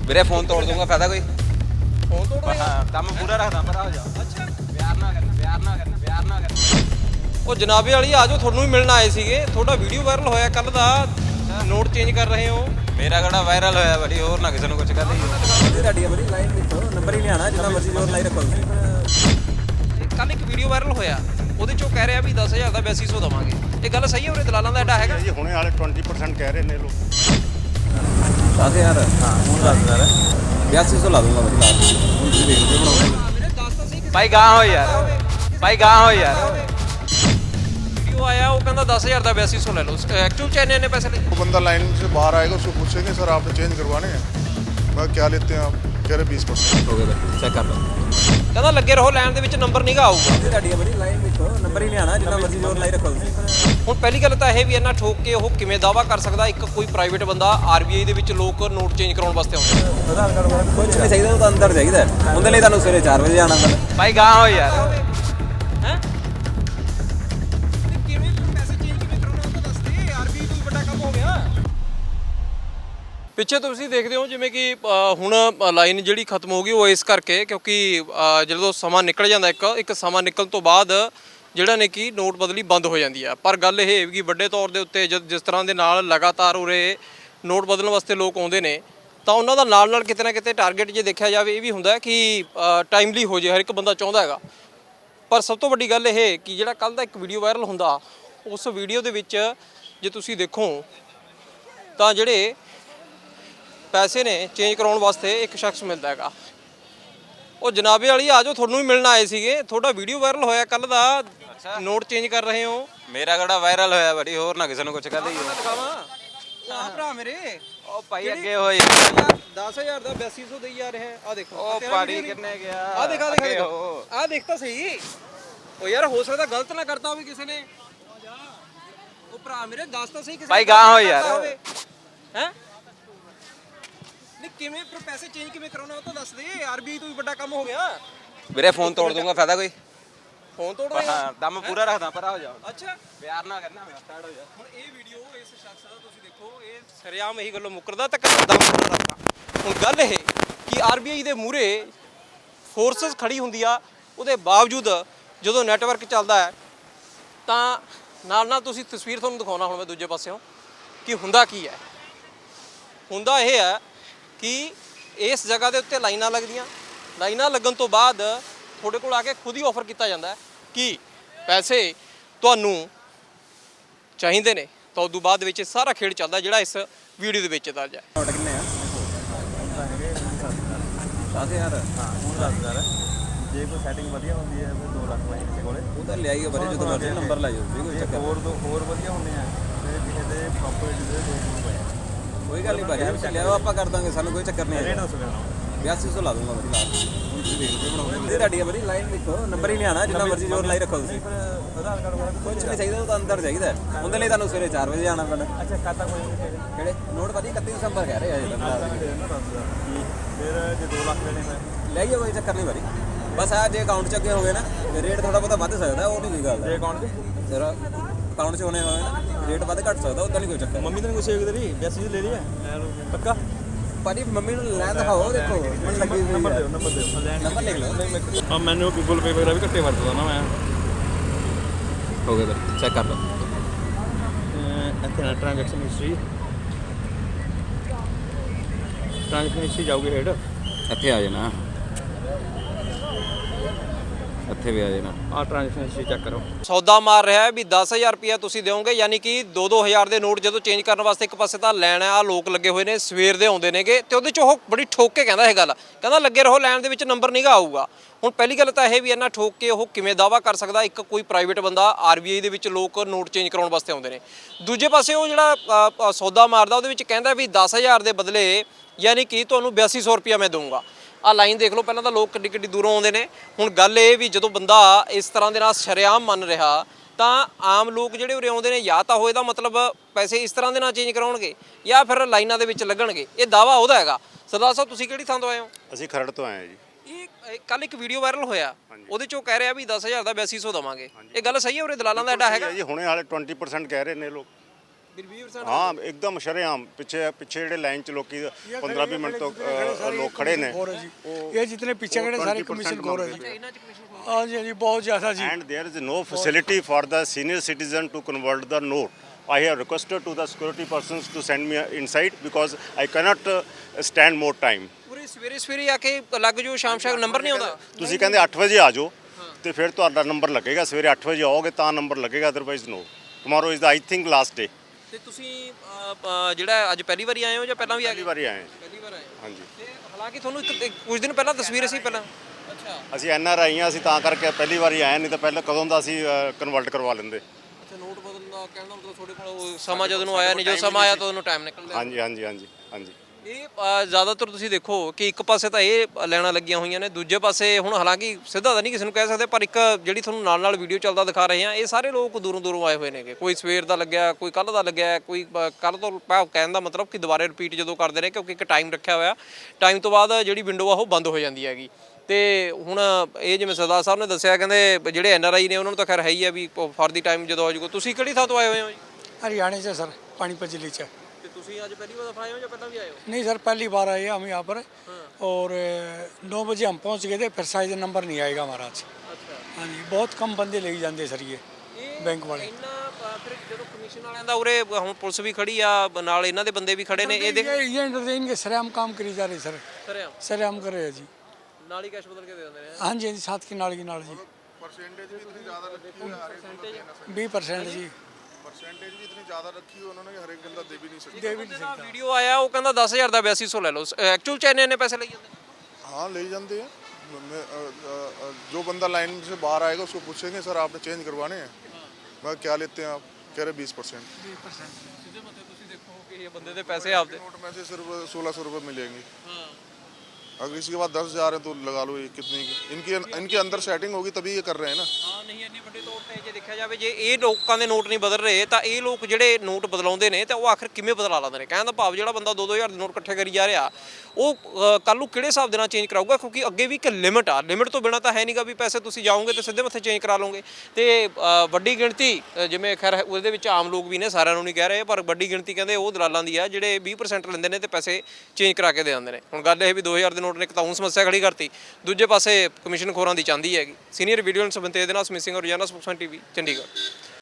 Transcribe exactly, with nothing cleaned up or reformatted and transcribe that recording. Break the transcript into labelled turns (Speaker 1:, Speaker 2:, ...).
Speaker 1: ਵੀਰੇ ਫੋਨ ਤੋੜ ਦੂੰਗਾ, ਫਾਇਦਾ ਕੋਈ?
Speaker 2: ਫੋਨ ਤੋੜ ਦੇਗਾ?
Speaker 1: ਹਾਂ, ਕੰਮ ਪੂਰਾ ਰੱਖਦਾ ਪਰ ਆ ਜਾ।
Speaker 2: ਅੱਛਾ,
Speaker 1: ਪਿਆਰ ਨਾ ਕਰਨਾ, ਪਿਆਰ ਨਾ ਕਰਨਾ, ਪਿਆਰ ਨਾ ਕਰਨਾ।
Speaker 2: ਉਹ ਜਨਾਬੇ ਵਾਲੀ ਆ ਜਾਓ, ਤੁਹਾਨੂੰ ਵੀ ਮਿਲਣ ਆਏ ਸੀਗੇ। ਤੁਹਾਡਾ ਵੀਡੀਓ ਵਾਇਰਲ ਹੋਇਆ ਕੱਲ ਦਾ, ਨੋਟ ਚੇਂਜ ਕਰ ਰਹੇ ਹੋ।
Speaker 1: ਮੇਰਾ ਕਿਹੜਾ ਵਾਇਰਲ ਹੋਇਆ ਬੜੀ, ਹੋਰ ਨਾ ਕਿਸੇ ਨੂੰ ਕੁਝ ਕਰ ਲਈ।
Speaker 3: ਤੁਹਾਡੀ ਬੜੀ ਲਾਈਨ ਵਿੱਚੋਂ ਨੰਬਰ ਹੀ ਨਹੀਂ ਆਣਾ, ਜਿੰਨਾ ਮਰਜ਼ੀ ਜ਼ੋਰ ਲਾਈ ਰੱਖੋ ਤੁਸੀਂ।
Speaker 2: ਕੱਲ ਇੱਕ ਵੀਡੀਓ ਵਾਇਰਲ ਹੋਇਆ, ਉਹਦੇ ਚੋਂ ਕਹਿ ਰਿਹਾ ਵੀ ਦਸ ਹਜ਼ਾਰ ਦਾ ਬਿਆਸੀ ਸੌ ਦੇਵਾਂਗੇ। ਇਹ ਗੱਲ ਸਹੀ ਹੈ? ਉਰੇ ਦਲਾਲਾਂ ਦਾ ਐਡਾ ਹੈਗਾ
Speaker 4: ਜੀ ਹੁਣੇ ਵਾਲੇ ਵੀਹ ਪਰਸੈਂਟ ਕਹਿ ਰਹੇ ਨੇ ਲੋਕ।
Speaker 3: ਦਸ ਹਜ਼ਾਰ ਹਾਂ ਹੁਣ ਦਸ ਹਜ਼ਾਰ ਬਿਆਸੀ ਸੌ ਲਾ ਦੂੰਗਾ ਬੜੀ ਲਾਸਟ। ਹੁਣ ਤੁਸੀਂ ਦੇਖ ਲਓ ਬਣਾਉਂਗੇ।
Speaker 2: ਵੀਰੇ ਦਸ ਤਾਂ ਸਹੀ।
Speaker 1: ਭਾਈ ਗਾਂ ਹੋ ਯਾਰ, ਭਾਈ ਗਾਂ ਹੋ ਯਾਰ।
Speaker 2: ਵੀਡੀਓ ਆਇਆ, ਉਹ ਕਹਿੰਦਾ ਦਸ ਹਜ਼ਾਰ ਦਾ ਬਿਆਸੀ ਸੌ ਲੈ ਲਓ। ਐਕਚੁਅਲ ਚ ਇੰਨੇ ਪੈਸੇ ਲਏ।
Speaker 4: वो बंदा लाइन से बाहर आएगा, उसको पूछेंगे सर आपने चेंज करवाने हैं, मैं क्या लेते हैं आप? कह रहे बीस परसेंट
Speaker 3: ਹੋ ਗਏ ਬਈ ਚੈੱਕ ਕਰ ਲਓ।
Speaker 2: ਕਹਿੰਦਾ ਲੱਗੇ ਰਹੋ ਲਾਈਨ ਦੇ ਵਿੱਚ, ਨੰਬਰ ਨਹੀਂਗਾ ਆਊਗਾ।
Speaker 3: ਤੁਹਾਡੀ ਬੜੀ ਲਾਈਨ ਵਿੱਚੋਂ ਨੰਬਰ ਹੀ ਨਹੀਂ ਆਣਾ, ਜਿੰਨਾ ਮਰਜ਼ੀ ਜ਼ੋਰ ਲਾਈ ਰੱਖੋ ਤੁਸੀਂ।
Speaker 2: ਹੁਣ ਪਹਿਲੀ ਗੱਲ ਤਾਂ ਇਹ ਵੀ ਇਹਨਾਂ ਠੋਕ ਕੇ ਉਹ ਕਿਵੇਂ ਦਾਵਾ ਕਰ ਸਕਦਾ? ਇੱਕ ਕੋਈ ਪ੍ਰਾਈਵੇਟ ਬੰਦਾ ਆਰਬੀਆਈ ਦੇ ਵਿੱਚ ਲੋਕ ਨੋਟ ਚੇਂਜ ਕਰਾਉਣ ਵਾਸਤੇ ਆਉਂਦੇ ਨੇ।
Speaker 3: ਆਧਾਰ ਕਾਰਡ ਵਗੈਰਾ ਕੁਝ ਨਹੀਂ ਚਾਹੀਦਾ, ਉਹ ਤਾਂ ਅੰਦਰ ਚਾਹੀਦਾ ਹੈ। ਉਹਦੇ ਲਈ ਤੁਹਾਨੂੰ ਸਵੇਰੇ ਚਾਰ ਵਜੇ ਆਉਣਾ ਪੈਣਾ।
Speaker 1: ਭਾਈ ਗਾਂ ਹੋ ਯਾਰ।
Speaker 2: ਹੈ ਕਿਵੇਂ ਪੈਸੇ ਚੇਂਜ ਕਿਵੇਂ ਕਰਾਉਣੇ ਉਹ ਤਾਂ ਦੱਸ ਦੇ। ਆਰਬੀਆਈ ਕੋਈ ਵੱਡਾ ਕੰਮ ਹੋ ਗਿਆ। ਪਿੱਛੇ ਤੁਸੀਂ ਦੇਖਦੇ ਹੋ ਜਿਵੇਂ ਕਿ ਅ, ਹੁਣ ਲਾਈਨ ਜਿਹੜੀ ਖਤਮ ਹੋ ਗਈ, ਉਹ ਇਸ ਕਰਕੇ ਕਿਉਂਕਿ ਅ, ਜਦੋਂ ਸਮਾਂ ਨਿਕਲ ਜਾਂਦਾ ਇੱਕ ਇੱਕ ਸਮਾਂ ਨਿਕਲਣ ਤੋਂ ਬਾਅਦ ਜਿਹੜਾ ਨੇ ਕਿ ਨੋਟ ਬਦਲੀ ਬੰਦ ਹੋ ਜਾਂਦੀ ਹੈ। ਪਰ ਗੱਲ ਇਹ ਹੈ ਕਿ ਵੱਡੇ ਤੌਰ ਦੇ ਉੱਤੇ ਜਦ ਜਿਸ ਤਰ੍ਹਾਂ ਦੇ ਨਾਲ ਲਗਾਤਾਰ ਉਰੇ ਨੋਟ ਬਦਲਣ ਵਾਸਤੇ ਲੋਕ ਆਉਂਦੇ ਨੇ, ਤਾਂ ਉਹਨਾਂ ਦਾ ਨਾਲ ਨਾਲ ਕਿਤੇ ਨਾ ਕਿਤੇ ਟਾਰਗੇਟ ਜੇ ਦੇਖਿਆ ਜਾਵੇ ਇਹ ਵੀ ਹੁੰਦਾ ਹੈ ਕਿ ਟਾਈਮਲੀ ਹੋ ਜੇ, ਹਰ ਇੱਕ ਬੰਦਾ ਚਾਹੁੰਦਾ ਹੈਗਾ। ਪਰ ਸਭ ਤੋਂ ਵੱਡੀ ਗੱਲ ਇਹ ਕਿ ਜਿਹੜਾ ਕੱਲ ਦਾ ਇੱਕ ਵੀਡੀਓ ਵਾਇਰਲ ਹੁੰਦਾ, ਉਸ ਵੀਡੀਓ ਦੇ ਵਿੱਚ ਜੇ ਤੁਸੀਂ ਦੇਖੋ ਤਾਂ ਜਿਹੜੇ ਪੈਸੇ ਨੇ ਚੇਂਜ ਕਰਾਉਣ ਵਾਸਤੇ ਇੱਕ ਸ਼ਖਸ ਮਿਲਦਾ ਹੈਗਾ। ਉਹ ਜਨਾਬੇ ਵਾਲੀ ਆ ਜਾਓ, ਤੁਹਾਨੂੰ ਵੀ ਮਿਲਣ ਆਏ ਸੀਗੇ। ਤੁਹਾਡਾ ਵੀਡੀਓ ਵਾਇਰਲ ਹੋਇਆ ਕੱਲ ਦਾ, ਨੋਟ ਚੇਂਜ ਕਰ ਰਹੇ ਹੋ।
Speaker 1: ਮੇਰਾ ਕਿਹੜਾ ਵਾਇਰਲ ਹੋਇਆ ਬੜੀ, ਹੋਰ ਨਾ ਕਿਸੇ ਨੂੰ ਕੁਝ ਕਰ ਲਈ।
Speaker 2: ਦਿਖਾਵਾਂ ਆ ਭਰਾ ਮੇਰੇ,
Speaker 1: ਉਹ ਭਾਈ ਅੱਗੇ ਹੋਏ
Speaker 2: ਦਸ ਹਜ਼ਾਰ ਦਾ ਬਿਆਸੀ ਸੌ ਦੇਈ ਜਾ ਰਿਹਾ। ਆ ਦੇਖੋ,
Speaker 1: ਉਹ ਪਾੜੀ ਕਿੰਨੇ ਗਿਆ।
Speaker 2: ਆ ਦੇਖ ਆ
Speaker 1: ਅੱਗੇ
Speaker 2: ਦੇਖ
Speaker 1: ਹੋ।
Speaker 2: ਆ ਦੇਖ ਤਾਂ ਸਹੀ। ਉਹ ਯਾਰ ਹੋ ਸਕਦਾ ਗਲਤ ਨਾ ਕਰਤਾ ਹੋਵੇ ਕਿਸੇ ਨੇ। ਉਹ ਭਰਾ ਮੇਰੇ ਦੱਸ ਤਾਂ ਸਹੀ ਕਿਸੇ
Speaker 1: ਭਾਈ ਗਾਂ ਹੋ ਯਾਰ।
Speaker 2: ਹੈ ਨਹੀਂ ਕਿਵੇਂ ਪਰ ਪੈਸੇ ਚੇਂਜ ਕਿਵੇਂ ਕਰਾਉਣਾ ਉਹ ਤਾਂ ਦੱਸ ਦੇ। ਆਰਬੀਆਈ ਤੋਂ ਵੀ ਵੱਡਾ ਕੰਮ ਹੋ ਗਿਆ।
Speaker 1: ਵੀਰੇ ਫੋਨ ਤੋੜ ਦੂੰਗਾ, ਫਾਇਦਾ ਕੋਈ?
Speaker 2: ਫੋਨ ਤੋੜ ਦੇਗਾ?
Speaker 1: ਹਾਂ, ਦਮ ਪੂਰਾ ਰੱਖਦਾ ਪਰ ਆ ਜਾ।
Speaker 2: ਅੱਛਾ,
Speaker 1: ਪਿਆਰ ਨਾ ਕਰਨਾ, ਮੈਂ ਸਟਾਰਟ ਹੋ ਜਾ।
Speaker 2: ਹੁਣ ਇਹ ਵੀਡੀਓ ਇਸ ਸ਼ਖਸ ਦਾ ਤੁਸੀਂ ਦੇਖੋ, ਇਹ ਸਰਿਆਮ ਇਹੀ ਗੱਲੋਂ ਮੁੱਕਰਦਾ ਤਾਂ ਕਰਦਾ ਮੁੱਕਰਦਾ ਰੱਖਦਾ। ਹੁਣ ਗੱਲ ਇਹ ਕਿ ਆਰਬੀਆਈ ਦੇ ਮੂਹਰੇ ਫੋਰਸਸ ਖੜੀ ਹੁੰਦੀ ਆ, ਉਹਦੇ ਬਾਵਜੂਦ ਜਦੋਂ ਨੈਟਵਰਕ ਚੱਲਦਾ ਹੈ ਤਾਂ ਨਾਲ ਨਾਲ ਤੁਸੀਂ ਤਸਵੀਰ ਤੁਹਾਨੂੰ ਦਿਖਾਉਣਾ ਹੁਣ ਮੈਂ ਦੂਜੇ ਪਾਸਿਓਂ ਕਿ ਹੁੰਦਾ ਕੀ ਹੈ। ਹੁੰਦਾ ਇਹ ਹੈ ਕਿ ਇਸ ਜਗ੍ਹਾ ਦੇ ਉੱਤੇ ਲਾਈਨਾਂ ਲੱਗਦੀਆਂ, ਲਾਈਨਾਂ ਲੱਗਣ ਤੋਂ ਬਾਅਦ ਤੁਹਾਡੇ ਕੋਲ ਆ ਕੇ ਖੁਦ ਹੀ ਆਫਰ ਕੀਤਾ ਜਾਂਦਾ ਹੈ ਕਿ ਪੈਸੇ ਤੁਹਾਨੂੰ ਚਾਹੀਦੇ ਨੇ, ਤਾਂ ਉਸ ਤੋਂ ਬਾਅਦ ਵਿੱਚ ਸਾਰਾ ਖੇਡ ਚੱਲਦਾ ਜਿਹੜਾ ਇਸ ਵੀਡੀਓ ਦੇ ਵਿੱਚ ਦਰਜ ਹੈ।
Speaker 3: ਨੋਟ ਕਿੰਨੇ ਆ? ਦਸ ਹਜ਼ਾਰ ਹਾਂ ਹੁਣ ਦਸ ਹਜ਼ਾਰ। ਜੇ ਕੋਈ ਸੈਟਿੰਗ ਵਧੀਆ ਹੁੰਦੀ ਹੈ ਫਿਰ ਦੋ ਲੱਖ ਵਾਈ ਕਿਸੇ ਕੋਲੇ, ਉਹ ਤਾਂ ਲਿਆਈਏ ਬਰੇ, ਜਦੋਂ ਮਰਜ਼ੀ ਨੰਬਰ ਲੈ ਜਾਓ ਤੁਸੀਂ। ਕੋਈ ਚੱਕਰ ਹੋਰ ਹੋਰ ਵਧੀਆ ਹੁੰਦੇ ਆ ਤੇ ਕਿਸੇ ਦੇ ਪ੍ਰੋਪਰਟੀ ਦੇ ਦੋ ਦੋ ਪਏ। ਕੋਈ ਗੱਲ ਨਹੀਂ ਭਾਜੀ, ਲਿਆਓ ਆਪਾਂ ਕਰ ਦਾਂਗੇ, ਸਾਨੂੰ ਕੋਈ ਚੱਕਰ ਨਹੀਂ। ਰੇਟ ਦੱਸੋ ਕਿੰਨਾ? ਬਿਆਸੀ ਸੌ ਲਾ ਦੂੰਗਾ ਬੜੀ ਲਾਸਟ। ਹੁਣ ਤੁਸੀਂ ਦੇਖ ਲਓ ਬਣਾਉਂਗੇ। ਤੁਹਾਡੀ ਬੜੀ ਲਾਈਨ ਵਿੱਚੋਂ ਨੰਬਰ ਹੀ ਨਹੀਂ ਆਣਾ, ਜਿੰਨਾ ਮਰਜ਼ੀ ਜ਼ੋਰ ਲਾਈ ਰੱਖੋ ਤੁਸੀਂ। ਆਧਾਰ ਕਾਰਡ ਵਗੈਰਾ ਕੁਝ ਨਹੀਂ ਚਾਹੀਦਾ, ਉਹ ਤਾਂ ਅੰਦਰ ਚਾਹੀਦਾ ਹੈ। ਉਹਦੇ ਲਈ ਤੁਹਾਨੂੰ ਸਵੇਰੇ ਚਾਰ ਵਜੇ ਆਉਣਾ ਪੈਣਾ। ਅੱਛਾ, ਖਾਤਾ ਕੋਈ ਨਹੀਂ ਕਿਹੜੇ ਨੋਟ ਭਾਜੀ ਇਕੱਤੀ ਦਸੰਬਰ ਕਹਿ ਰਹੇ ਆ ਜੀ। ਫਿਰ ਜੇ ਦੋ ਲੱਖ ਲੈਣੇ ਹੋਏ ਲੈ ਆਈਏ, ਕੋਈ ਚੱਕਰ ਨਹੀਂ ਭਾਜੀ। ਬਸ ਆ ਜੇ ਅਕਾਊਂਟ 'ਚ ਅੱਗੇ ਹੋ ਗਏ ਨਾ ਰੇਟ ਥੋੜਾ ਬਹੁਤਾ ਵੱਧ ਸਕਦਾ, ਉਹ ਨਹੀਂ ਕੋਈ ਗੱਲ। ਜੇ ਅਕਾਊਂਟ 'ਚ ਫਿਰ ਅਕਾਊਂਟ 'ਚ ਹੋਣੇ ਹੋਏ ਨਾ ਰੇਟ ਵੱਧ ਘੱਟ ਸਕਦਾ, ਉਹਦਾ ਨਹੀਂ ਕੋਈ ਚੱਕਰ। ਮੰਮੀ ਤਾਂ ਨਹੀਂ ਕੁਛ ਤੇਰੀ ਬਿਆਸੀ ਲੈ ਲਈ ਹੈ ਪੱਕਾ ਭਾਜੀ? ਮੰਮੀ ਨੂੰ ਲੈ ਦਿਖਾਓ, ਦੇਖੋ ਮੈਨੂੰ ਲੱਗੀ ਨੰਬਰ ਦਿਓ, ਨੰਬਰ ਦਿਓ, ਨੰਬਰ ਲਿਖ ਲਓ।
Speaker 5: ਆ ਮੈਨੂੰ ਗੂਗਲ ਪੇ ਵਗੈਰਾ ਵੀ ਘੱਟੇ ਵਰਤਦਾ ਨਾ ਮੈਂ।
Speaker 3: ਹੋ ਗਏ ਬਈ ਚੈੱਕ ਕਰ ਲਓ।
Speaker 5: ਇੱਥੇ ਨਾ ਟ੍ਰਾਂਜੈਕਸ਼ਨ ਹਿਸਟਰੀ, ਟ੍ਰਾਂਜੈਕਸ਼ਨ ਹਿਸਟਰੀ ਜਾਓਗੇ ਹੇਡ,
Speaker 3: ਇੱਥੇ ਆ ਜਾਣਾ, ਇੱਥੇ ਵੀ ਆ ਜਾਣਾ।
Speaker 5: ਆ ਟ੍ਰਾਂਜੈਕਸ਼ਨ ਹਿਸਟਰੀ ਚੈੱਕ ਕਰੋ।
Speaker 2: ਸੌਦਾ ਮਾਰ ਰਿਹਾ ਹੈ ਵੀ ਦਸ ਹਜ਼ਾਰ ਰੁਪਇਆ ਤੁਸੀਂ ਦਿਓਗੇ, ਯਾਨੀ ਕਿ ਦੋ ਦੋ ਹਜ਼ਾਰ ਦੇ ਨੋਟ ਜਦੋਂ ਚੇਂਜ ਕਰਨ ਵਾਸਤੇ ਇੱਕ ਪਾਸੇ ਤਾਂ ਲੈਣ ਆ ਲੋਕ ਲੱਗੇ ਹੋਏ ਨੇ, ਸਵੇਰ ਦੇ ਆਉਂਦੇ ਨੇਗੇ, ਤੇ ਉਹਦੇ 'ਚ ਉਹ ਬੜੀ ਠੋਕ ਕੇ ਕਹਿੰਦਾ ਇਹ ਗੱਲ, ਕਹਿੰਦਾ ਲੱਗੇ ਰਹੋ ਲਾਈਨ ਦੇ ਵਿੱਚ, ਨੰਬਰ ਨਹੀਂਗਾ ਆਊਗਾ। ਹੁਣ ਪਹਿਲੀ ਗੱਲ ਤਾਂ ਇਹ ਵੀ ਇਹਨਾਂ ਠੋਕ ਕੇ ਉਹ ਕਿਵੇਂ ਦਾਵਾ ਕਰ ਸਕਦਾ? ਇੱਕ ਕੋਈ ਪ੍ਰਾਈਵੇਟ ਬੰਦਾ ਆਰਬੀਆਈ ਦੇ ਵਿੱਚ ਲੋਕ ਨੋਟ ਚੇਂਜ ਕਰਾਉਣ ਵਾਸਤੇ ਆਉਂਦੇ ਨੇ। ਦੂਜੇ ਪਾਸੇ ਉਹ ਜਿਹੜਾ ਸੌਦਾ ਮਾਰਦਾ ਉਹਦੇ ਵਿੱਚ ਕਹਿੰਦਾ ਵੀ ਦਸ ਹਜ਼ਾਰ ਦੇ ਬਦਲੇ ਯਾਨੀ ਕਿ ਤੁਹਾਨੂੰ ਬਿਆਸੀ ਸੌ ਰੁਪਇਆ ਮੈਂ ਦਊਂਗਾ। ਆ ਲਾਈਨ ਦੇਖ ਲਓ, ਪਹਿਲਾਂ ਤਾਂ ਲੋਕ ਕਿੱਡੀ ਕਿੱਡੀ ਦੂਰੋਂ ਆਉਂਦੇ ਨੇ। ਹੁਣ ਗੱਲ ਇਹ ਵੀ ਜਦੋਂ ਬੰਦਾ ਇਸ ਤਰ੍ਹਾਂ ਦੇ ਨਾਲ ਸ਼ਰੇਆਮ ਮੰਨ ਰਿਹਾ ਤਾਂ ਆਮ ਲੋਕ ਜਿਹੜੇ ਉਰੇ ਆਉਂਦੇ ਨੇ ਜਾਂ ਤਾਂ ਉਹ ਇਹਦਾ ਮਤਲਬ ਪੈਸੇ ਇਸ ਤਰ੍ਹਾਂ ਦੇ ਨਾਲ ਚੇਂਜ ਕਰਾਉਣਗੇ ਜਾਂ ਫਿਰ ਲਾਈਨਾਂ ਦੇ ਵਿੱਚ ਲੱਗਣਗੇ। ਇਹ ਦਾਵਾ ਉਹਦਾ ਹੈਗਾ। ਸਰਦਾਰ ਸਾਹਿਬ ਤੁਸੀਂ ਕਿਹੜੀ ਥਾਂ ਤੋਂ ਆਏ ਹੋ?
Speaker 4: ਅਸੀਂ ਖਰੜ ਤੋਂ ਆਏ ਹਾਂ ਜੀ।
Speaker 2: ਇਹ ਕੱਲ ਇੱਕ ਵੀਡੀਓ ਵਾਇਰਲ ਹੋਇਆ, ਉਹਦੇ ਚੋਂ ਕਹਿ ਰਿਹਾ ਵੀ ਦਸ ਹਜ਼ਾਰ ਦਾ ਬਿਆਸੀ ਸੌ ਦੇਵਾਂਗੇ। ਇਹ ਗੱਲ ਸਹੀ ਹੈ? ਉਰੇ ਦਲਾਲਾਂ ਦਾ ਐਡਾ ਹੈਗਾ
Speaker 4: ਜੀ ਹੁਣੇ ਵਾਲੇ ਵੀਹ ਪਰਸੈਂਟ ਕਹਿ ਰਹੇ ਨੇ ਲੋਕ।
Speaker 6: ਹਾਂ ਇੱਕਦਮ ਸ਼ਰੇਆਮ ਪਿੱਛੇ ਪਿੱਛੇ ਜਿਹੜੇ ਲਾਈਨ ਚ ਲੋਕੀ ਪੰਦਰਾਂ ਵੀਹ ਮਿੰਟ ਤੋਂ ਅ, ਲੋਕ ਖੜੇ ਨੇ
Speaker 7: ये जितने पीछे खड़े सारे कमीशन खोर है जी हाँ जी हाँ जी बहुत ज़्यादा जी
Speaker 6: and there is no facility for the senior citizen to convert the note. I have requested to the security persons to send me inside because I cannot uh, stand more time.
Speaker 2: ਪੂਰੇ ਸਵੇਰੇ ਸਵੇਰੇ ਆ ਕੇ ਲੱਗ ਜੋ ਸ਼ਾਮ ਸ਼ਾਮ number ਨਹੀਂ ਆਉਂਦਾ
Speaker 6: ਤੁਸੀਂ ਕਹਿੰਦੇ ਅੱਠ ਵਜੇ ਆ ਜਾਓ ਤੇ ਫਿਰ ਤੁਹਾਡਾ ਨੰਬਰ ਲੱਗੇਗਾ ਸਵੇਰੇ ਅੱਠ ਵਜੇ ਆਓਗੇ ਤਾਂ ਨੰਬਰ ਲੱਗੇਗਾ otherwise no tomorrow is the I think last day
Speaker 2: ਤੇ ਤੁਸੀਂ ਅ, ਅ, ਜਿਹੜਾ ਅੱਜ ਪਹਿਲੀ ਵਾਰੀ ਆਏ ਹੋ ਜਾਂ ਪਹਿਲਾਂ ਵੀ ਆ
Speaker 6: ਪਹਿਲੀ
Speaker 2: ਗਏ
Speaker 6: ਵਾਰੀ ਆਏ ਹਾਂ।
Speaker 2: ਪਹਿਲੀ ਵਾਰ ਆਏ ਹੋ।
Speaker 6: ਹਾਂਜੀ
Speaker 2: ਤੇ ਹਾਲਾਂਕਿ ਤੁਹਾਨੂੰ ਇੱਕ ਇੱਕ ਕੁਝ ਦਿਨ ਪਹਿਲਾਂ ਤਸਵੀਰ ਸੀ ਪਹਿਲਾਂ ਅੱਛਾ
Speaker 6: ਅਸੀਂ ਐਨ ਆਰ ਆਈ ਹਾਂ ਅਸੀਂ ਤਾਂ ਕਰਕੇ ਪਹਿਲੀ ਵਾਰੀ ਆਏ ਨਹੀਂ ਤਾਂ ਪਹਿਲਾਂ ਕਦੋਂ ਦਾ ਅਸੀਂ ਕਨਵਰਟ ਕਰਵਾ ਲੈਂਦੇ
Speaker 2: ਅੱਛਾ ਨੋਟ ਬਦਲਣ ਦਾ ਕਹਿਣ ਦਾ ਮਤਲਬ ਤੁਹਾਡੇ ਕੋਲ ਉਹ ਸਮਾਂ ਜਦੋਂ ਨੂੰ ਆਇਆ ਨਹੀਂ ਜੋ ਸਮਾਂ ਆਇਆ ਤਾਂ ਉਹਨੂੰ ਟਾਈਮ ਨਿਕਲ ਲਿਆ
Speaker 6: ਹਾਂਜੀ ਹਾਂਜੀ ਹਾਂਜੀ ਹਾਂਜੀ
Speaker 2: ਇਹ ਅ, ਜ਼ਿਆਦਾਤਰ ਤੁਸੀਂ ਦੇਖੋ ਕਿ ਇੱਕ ਪਾਸੇ ਤਾਂ ਇਹ ਲੈਣਾ ਲੱਗੀਆਂ ਹੋਈਆਂ ਨੇ ਦੂਜੇ ਪਾਸੇ ਹੁਣ ਹਾਲਾਂਕਿ ਸਿੱਧਾ ਤਾਂ ਨਹੀਂ ਕਿਸੇ ਨੂੰ ਕਹਿ ਸਕਦੇ ਪਰ ਇੱਕ ਜਿਹੜੀ ਤੁਹਾਨੂੰ ਨਾਲ ਨਾਲ ਵੀਡੀਓ ਚੱਲਦਾ ਦਿਖਾ ਰਹੇ ਆ ਇਹ ਸਾਰੇ ਲੋਕ ਦੂਰੋਂ ਦੂਰੋਂ ਆਏ ਹੋਏ ਨੇਗੇ ਕੋਈ ਸਵੇਰ ਦਾ ਲੱਗਿਆ ਕੋਈ ਕੱਲ ਦਾ ਲੱਗਿਆ ਕੋਈ ਕੱਲ ਤੋਂ ਭਾਵ ਕਹਿਣ ਦਾ ਮਤਲਬ ਕਿ ਦੁਬਾਰੇ ਰਿਪੀਟ ਜਦੋਂ ਕਰਦੇ ਨੇ ਕਿਉਂਕਿ ਇੱਕ ਟਾਈਮ ਰੱਖਿਆ ਹੋਇਆ ਟਾਈਮ ਤੋਂ ਬਾਅਦ ਜਿਹੜੀ ਵਿੰਡੋ ਆ ਉਹ ਬੰਦ ਹੋ ਜਾਂਦੀ ਹੈਗੀ ਤੇ ਹੁਣ ਇਹ ਜਿਵੇਂ ਸਰਦਾਰ ਸਾਹਿਬ ਨੇ ਦੱਸਿਆ ਕਹਿੰਦੇ ਜਿਹੜੇ ਐਨ ਆਰ ਆਈ ਨੇ ਉਹਨਾਂ ਨੂੰ ਤਾਂ ਖੈਰ ਹੈ ਹੀ ਆ ਵੀ ਫਾਰ ਦੀ ਟਾਈਮ ਜਦੋਂ ਆ ਜਾਊਗਾ ਤੁਸੀਂ ਕਿਹੜੀ ਥਾਂ ਤੋਂ ਆਏ ਹੋਏ ਹੋ ਜੀ
Speaker 7: हरियाणा से सर पानीपत जिले से
Speaker 2: ਤੇ ਤੁਸੀਂ ਅੱਜ ਪਹਿਲੀ ਵਾਰ ਆਏ ਹੋ ਜਾਂ ਪਹਿਲਾਂ ਵੀ ਆਏ ਹੋ
Speaker 7: नहीं सर पहली बार आए हम यहाँ पर और अ, नौ बजे हम पहुँच गए थे फिर शायद नंबर नहीं आएगा हमारा आज
Speaker 2: ਅੱਛਾ
Speaker 7: हाँ जी बहुत कम बंदे ले जाते सर ये बैंक वाले
Speaker 2: ਇੰਨਾ ਅ, ਫਿਰ ਜਦੋਂ ਕਮਿਸ਼ਨ ਵਾਲਿਆਂ ਦਾ ਉਰੇ ਹੁਣ ਪੁਲਿਸ ਵੀ ਖੜੀ ਆ ਨਾਲ ਇਹਨਾਂ ਦੇ ਬੰਦੇ ਵੀ ਖੜੇ ਨੇ ਇਹ ਦੇਖ
Speaker 7: ये ये इंटरटेन के सरेआम काम करी जा रहे सर
Speaker 2: ਸਰਿਆ
Speaker 7: सरेआम कर रहे हैं जी
Speaker 2: ਨਾਲ ਹੀ ਕੈਸ਼ ਬਦਲ ਕੇ ਦੇ ਦਿੰਦੇ ਨੇ
Speaker 7: हाँ जी हाँ जी सात की नाल की नाल जी
Speaker 4: परसेंटेज भी इतनी ज़्यादा रखी हुई है हर एक बंदा दे ना सकता।
Speaker 7: बीस परसेंट जी
Speaker 4: परसेंटेज भी इतनी ज़्यादा रखी हुई है उन्होंने कि हर एक बंदा दे भी नहीं सकता।
Speaker 7: दे भी नहीं सकता
Speaker 2: ਵੀਡੀਓ ਆਇਆ ਉਹ ਕਹਿੰਦਾ ਦਸ ਹਜ਼ਾਰ ਦਾ ਬਿਆਸੀ ਸੌ ਲੈ ਲਓ ਐਕਚੁਅਲ ਚ ਇੰਨੇ ਇੰਨੇ ਪੈਸੇ ਲਈ ਜਾਂਦੇ
Speaker 4: हाँ ले जाते हैं मैं अ, अ, अ, जो बंदा लाइन से बाहर आएगा उसको पूछेंगे सर आपने चेंज करवाने हैं मैं क्या लेते हैं आप कह रहे बीस परसेंट
Speaker 2: ਸਿੱਧੇ ਮੱਥੇ ਤੁਸੀਂ ਦੇਖੋ ਕਿ ਇਹ ਬੰਦੇ ਦੇ ਪੈਸੇ ਆਪਦੇ
Speaker 4: नोट में से सिर्फ सोलह सौ रुपये मिलेंगे अगर इसके बाद दस हज़ार है तो लगा लो ये कितनी की इनकी इनके अंदर सेटिंग होगी तभी ये कर रहे हैं ना
Speaker 2: ਹਾਂ ਨਹੀਂ ਇੰਨੀ ਵੱਡੇ ਤੌਰ ਤੇ ਜੇ ਦੇਖਿਆ ਜਾਵੇ ਜੇ ਇਹ ਲੋਕਾਂ ਦੇ ਨੋਟ ਨਹੀਂ ਬਦਲ ਰਹੇ ਤਾਂ ਇਹ ਲੋਕ ਜਿਹੜੇ ਨੋਟ ਬਦਲਾਉਂਦੇ ਨੇ ਤਾਂ ਉਹ ਆਖਰ ਕਿਵੇਂ ਬਦਲਾ ਲੈਂਦੇ ਨੇ ਕਹਿਣ ਦਾ ਭਾਵ ਜਿਹੜਾ ਬੰਦਾ ਦੋ ਦੋ ਹਜ਼ਾਰ ਦੇ ਨੋਟ ਇਕੱਠੇ ਕਰੀ ਜਾ ਰਿਹਾ ਉਹ ਕੱਲ ਨੂੰ ਕਿਹੜੇ ਹਿਸਾਬ ਦੇ ਨਾਲ ਚੇਂਜ ਕਰਾਊਗਾ ਕਿਉਂਕਿ ਅੱਗੇ ਵੀ ਇੱਕ ਲਿਮਿਟ ਆ ਲਿਮਿਟ ਤੋਂ ਬਿਨਾ ਤਾਂ ਹੈ ਨਹੀਂਗਾ ਵੀ ਪੈਸੇ ਤੁਸੀਂ ਜਾਓਗੇ ਤੇ ਸਿੱਧੇ ਮੱਥੇ ਚੇਂਜ ਕਰਾ ਲਓਗੇ ਤੇ ਅ, ਵੱਡੀ ਗਿਣਤੀ ਅ, ਜਿਵੇਂ ਖੈਰ ਉਹਦੇ ਵਿੱਚ ਆਮ ਲੋਕ ਵੀ ਨੇ ਸਾਰਿਆਂ ਨੂੰ ਨਹੀਂ ਕਹਿ ਰਹੇ ਪਰ ਵੱਡੀ ਗਿਣਤੀ ਕਹਿੰਦੇ ਉਹ ਦਲਾਲਾਂ ਦੀ ਆ ਜਿਹੜੇ ਵੀਹ ਪਰਸੈਂਟ ਲੈਂਦੇ ਨੇ ਤੇ ਪੈਸੇ ਚੇਂਜ ਕਰਾ ਕੇ ਦੇ ਦਿੰਦੇ ਨੇ ਹੁਣ ਗੱਲ ਇਹ ਵੀ ਦੋ ਹਜ਼ਾਰ ਦੇ ਨੋਟ ਨੇ ਇੱਕ ਤਾਂ ਉਹ ਸਮੱਸਿਆ ਖੜੀ ਕਰਤੀ ਦੂਜੇ ਪਾਸੇ ਕਮਿਸ਼ਨ ਖੋਰਾਂ ਦੀ ਚਾਹੁੰਦੀ ਹੈਗੀ ਸੀਨੀਅਰ ਵੀਡੀਓ ਇਨਸਬੰਤੇ ਦੇ ਨਾਲ ਸਮਿਸਿੰਗ ਔਰ ਰੋਜ਼ਾਨਾ ਸਪੋਕਸਮੈਨ ਟੀਵੀ ਚੰਡੀਗੜ੍ਹ।